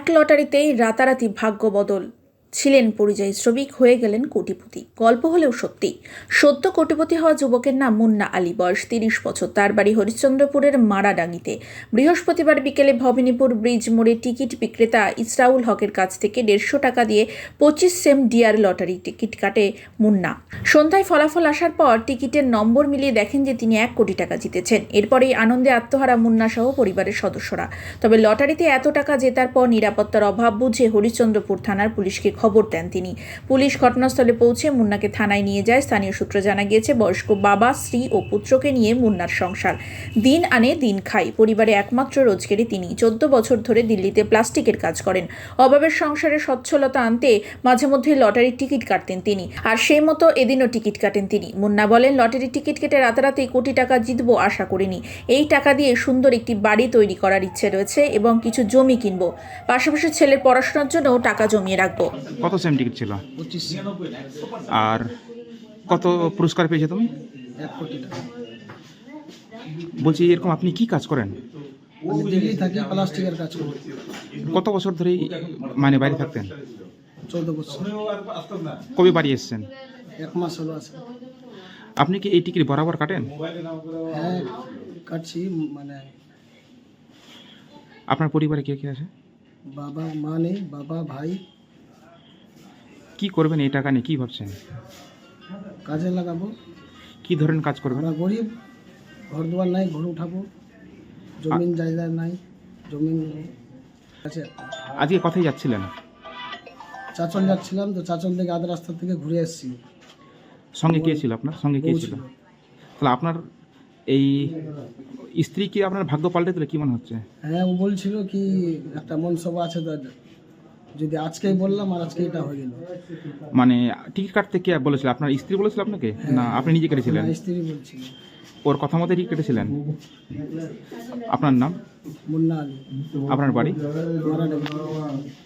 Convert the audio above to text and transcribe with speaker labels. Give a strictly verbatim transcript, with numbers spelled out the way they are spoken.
Speaker 1: লটারিতেই রাতারাতি ভাগ্য বদল। ছিলেন পরিযায়ী শ্রমিক, হয়ে গেলেন কোটিপতি। গল্প হলেও সত্যি। সদ্য কোটিপতি হওয়া যুবকের নাম মুন্না আলী, বয়স তিরিশ বছর। তার বাড়ি হরিশ্চন্দ্রপুরের মারাডাঙ্গিতে। বৃহস্পতিবার বিকেলে ভবানীপুর ব্রিজ মোড়ে টিকিট বিক্রেতা ইসরাউল হকের কাছ থেকে দেড়শো টাকা দিয়ে পঁচিশ সেম ডিয়ার লটারি টিকিট কাটে মুন্না। সন্ধ্যায় ফলাফল আসার পর টিকিটের নম্বর মিলিয়ে দেখেন যে তিনি এক কোটি টাকা জিতেছেন। এরপরেই আনন্দে আত্মহারা মুন্না সহ পরিবারের সদস্যরা। তবে লটারিতে এত টাকা জেতার পর নিরাপত্তার অভাব বুঝে হরিশ্চন্দ্রপুর থানার পুলিশকে খবর দেন তিনি। পুলিশ ঘটনাস্থলে পৌঁছে মুন্নাকে থানায় নিয়ে যায়। স্থানীয় সূত্রে জানা গিয়েছে, বয়স্ক বাবা, স্ত্রী ও পুত্রকে নিয়ে মুন্নার সংসার। দিন আনে দিন খায়। পরিবারে একমাত্র রোজগারি তিনি। চোদ্দ বছর ধরে দিল্লিতে প্লাস্টিকের কাজ করেন। অভাবের সংসারে সচ্ছলতা আনতে মাঝে মধ্যে লটারির টিকিট কাটতেন তিনি। আর সেই মতো এদিনও টিকিট কাটেন তিনি। মুন্না বলেন, লটারির টিকিট কেটে রাতারাতি কোটি টাকা জিতবো আশা করিনি। এই টাকা দিয়ে সুন্দর একটি বাড়ি তৈরি করার ইচ্ছে রয়েছে এবং কিছু জমি কিনবো। পাশাপাশি ছেলের পড়াশোনার জন্য টাকা জমিয়ে রাখবো।
Speaker 2: কত সেম টিকিট ছিল?
Speaker 3: পঁচিশ।
Speaker 2: আর কত পুরস্কার পেয়েছো তুমি?
Speaker 3: এক কোটি টাকা।
Speaker 2: বলছি, এরকম আপনি কি কাজ করেন?
Speaker 3: আমি দিল্লি থাকি, প্লাস্টিকের কাজ করি।
Speaker 2: কত বছর ধরেই মানে বাইরে থাকতেন?
Speaker 3: চৌদ্দ বছর।
Speaker 2: কবে বাড়ি এসেছেন?
Speaker 3: এক মাস হলো আছে।
Speaker 2: আপনি কি এই টিকিট বরাবর কাটেন?
Speaker 3: হ্যাঁ, কাটছি। মানে
Speaker 2: আপনার পরিবারে কে কে আছে?
Speaker 3: বাবা মা নেই, বাবা ভাই।
Speaker 2: কি করবেন এই টাকা নিয়ে, কি ভাবছেন?
Speaker 3: কাজে লাগাবো।
Speaker 2: কি ধরনের কাজ করবেন?
Speaker 3: আমরা গরিব, ঘর দুয়ার নাই, ঘর উঠাবো। জমিন জায়গা নাই, জমিন আছে।
Speaker 2: আজকে কোথায় যাচ্ছিলেন?
Speaker 3: চাচল যাচ্ছিলাম, তো চাচল থেকে আধা রাস্তা থেকে ঘুরে এসেছি।
Speaker 2: সঙ্গে কে ছিল? আপনার সঙ্গে কে
Speaker 3: বউ
Speaker 2: ছিল?
Speaker 3: ছিল।
Speaker 2: তাহলে আপনার এই স্ত্রী কি আপনার ভাগ্য পাল্টে দিলে, কি মনে হচ্ছে?
Speaker 3: হ্যাঁ, ও বলছিল কি একটা মনসভা আছে, তো যদি আজকেই বললাম আর আজকে এটা হয়ে গেল।
Speaker 2: মানে টিকিট কাটতে কে বলেছিল? আপনার স্ত্রী বলেছিল আপনাকে, না আপনি নিজে কেটেছিলেন?
Speaker 3: আমার স্ত্রী বলছিল।
Speaker 2: ওর কথা মতো টিকিট কেটেছিলেন? আপনার নাম?
Speaker 3: মুন্না আলী।
Speaker 2: আপনার বাড়ি?
Speaker 3: মারাডাঙ্গি।